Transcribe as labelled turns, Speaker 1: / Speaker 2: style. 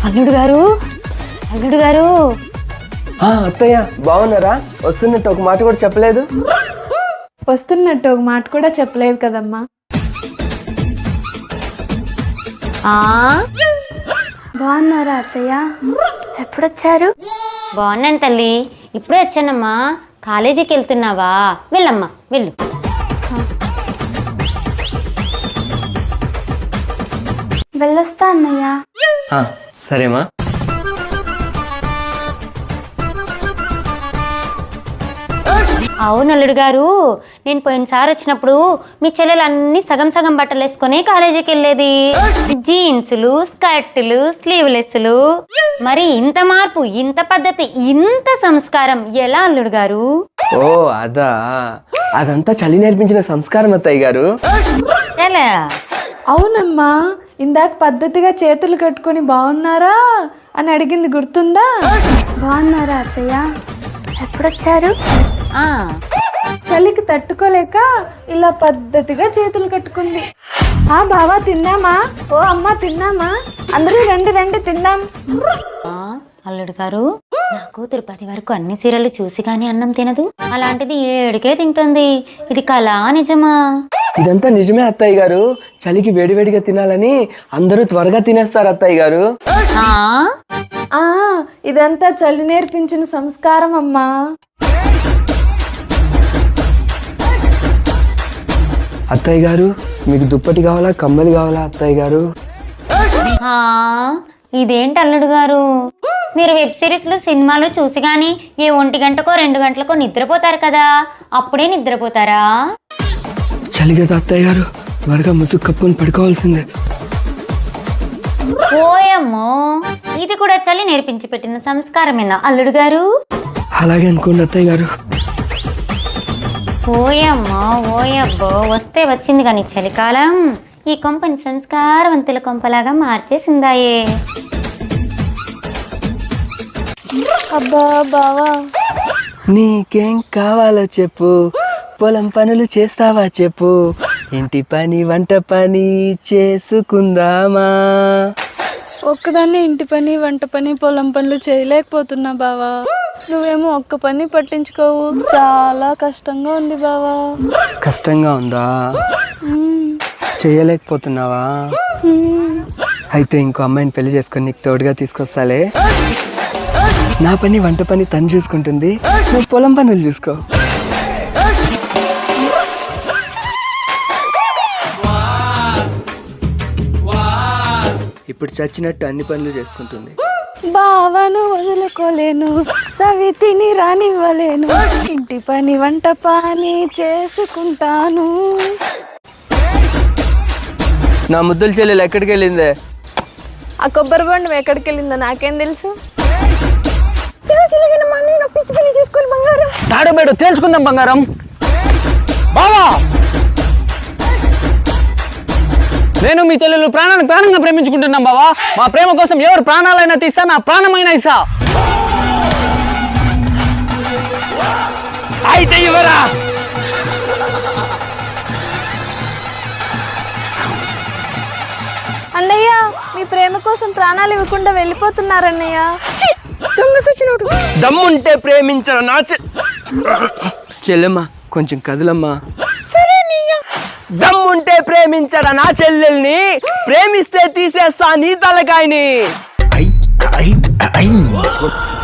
Speaker 1: అల్లుడు గారు, అల్లుడు గారు.
Speaker 2: అత్తయ్య బాగున్నారా? వస్తున్నట్టు ఒక మాట కూడా చెప్పలేదు.
Speaker 3: వస్తున్నట్టు ఒక మాట కూడా చెప్పలేదు కదమ్మా. బాగున్నారా అత్తయ్య? ఎప్పుడొచ్చారు?
Speaker 1: బాగున్నాను తల్లి, ఇప్పుడే వచ్చానమ్మా. కాలేజీకి వెళ్తున్నావా? వెళ్ళమ్మా వెళ్ళు.
Speaker 3: వెళ్ళొస్తా అన్నయ్య.
Speaker 2: సరేమా.
Speaker 1: అవును అల్లుడు గారు, నేను పోయినసారి వచ్చినప్పుడు మీ చెల్లెలు అన్ని సగం సగం బట్టలు వేసుకొని కాలేజీకి వెళ్ళేది. జీన్సులు, స్కర్టులు, స్లీవ్లెస్లు. మరి ఇంత మార్పు, ఇంత పద్ధతి, ఇంత సంస్కారం ఎలా అల్లుడు గారు?
Speaker 2: ఓ అదా, అదంతా చలి నేర్పించిన సంస్కారం అత్తయ్య గారు.
Speaker 1: ఎలా?
Speaker 3: అవునమ్మా, ఇందాక పద్ధతిగా చేతులు కట్టుకొని బాగున్నారా అని అడిగింది గుర్తుందా? బాగున్నారా అత్తయ్య? ఎప్పుడొచ్చారు? చలికి తట్టుకోలేక ఇలా పద్ధతిగా చేతులు కట్టుకుంది. బావా తిన్నామా? ఓ అమ్మ తిన్నామా? అందరూ రండి రండి తిందాం.
Speaker 1: అల్లుడు గారు, నాకు తిరుపతి వరకు అన్ని సీరియల్ చూసి కానీ అన్నం తినదు. అలాంటిది 7కే తింటుంది. ఇది కళా నిజమా?
Speaker 2: ఇదంతా నిజమే అత్తయ్య గారు. చలికి వేడివేడిగా తినాలని అందరూ త్వరగా తినేస్తారు అత్తయ్య గారు.
Speaker 3: ఇదంతా చలి నేర్పించిన సంస్కారం అమ్మా.
Speaker 2: అత్తయ్య గారు, మీకు దుప్పటి కావాలా, కమ్మలు కావాలా అత్తయ్య గారు?
Speaker 1: ఇదేంటి అల్లుడు గారు, మీరు వెబ్ సిరీస్లు సినిమాలు చూసి కానీ 1 గంటకో 2 గంటలకో నిద్రపోతారు కదా, అప్పుడే నిద్రపోతారా?
Speaker 2: చలి కదా అత్తయ్య గారు, త్వరగా ముసుగు కప్పుకొని పడుకోవాల్సిందే.
Speaker 1: ఓయమ్మో, ఇది కూడా చలి నేర్పించి పెట్టిన సంస్కారమేనా అల్లుడు గారు?
Speaker 2: అలాగే అనుకోండి అత్తయ్య గారు.
Speaker 1: ఓయమ్మో ఓయబ్బో, వస్తే వచ్చింది కానీ చలికాలం ఈ కొంపని సంస్కారవంతుల కొంపలాగా మార్చేసిందాయే.
Speaker 3: అబ్బా బావా,
Speaker 2: నీకేం కావాలో చెప్పు, పొలం పనులు చేస్తావా చెప్పు, ఇంటి పని వంట పని చేసుకుందామా.
Speaker 3: ఒక్కదాన్ని ఇంటి పని వంట పని పొలం పనులు చేయలేకపోతున్నా బావా. నువ్వేమో ఒక్క పని పట్టించుకోవు. చాలా కష్టంగా ఉంది బావా.
Speaker 2: కష్టంగా ఉందా? చేయలేకపోతున్నావా? అయితే ఇంకో అమ్మాయిని పెళ్లి చేసుకొని నీకు తోడుగా తీసుకొస్తాలే. నా పని వంట పని తను చూసుకుంటుంది, నువ్వు పొలం పనులు చూసుకో. ఇప్పుడు చచ్చినట్టు అన్ని పనులు చేసుకుంటుంది.
Speaker 3: బావను వదులుకోలేను, సవితిని రానివ్వలేను, ఇంటి పని వంట పని చేసుకుంటాను.
Speaker 2: నా ముద్దుల చెల్లెలు ఎక్కడికి వెళ్ళిందే?
Speaker 3: ఆ కొబ్బరి బొండం ఎక్కడికి వెళ్ళిందో నాకేం తెలుసు.
Speaker 2: తాడబేడు తేల్చుకుందాం బంగారం. బావా, నేను మీ చెల్లెలు ప్రాణానికి ప్రాణంగా ప్రేమించుకుంటున్నాం బావా. మా ప్రేమ కోసం ఎవరు ప్రాణాలైనా తీస్తా, నా ప్రాణమైనా ఇస్తా. అయితే ఇవ్వరా?
Speaker 3: అన్నయ్య, మీ ప్రేమ కోసం ప్రాణాలు ఇవ్వకుండా వెళ్ళిపోతున్నారన్నయ్య.
Speaker 2: దమ్ముంటే ప్రేమించరా నా చెల్లెమ్మా, కొంచెం కదులమ్మా. దమ్ముంటే ప్రేమించరా నా చెల్లెల్ని, ప్రేమిస్తే తీసేస్తా నీ తలకాయని.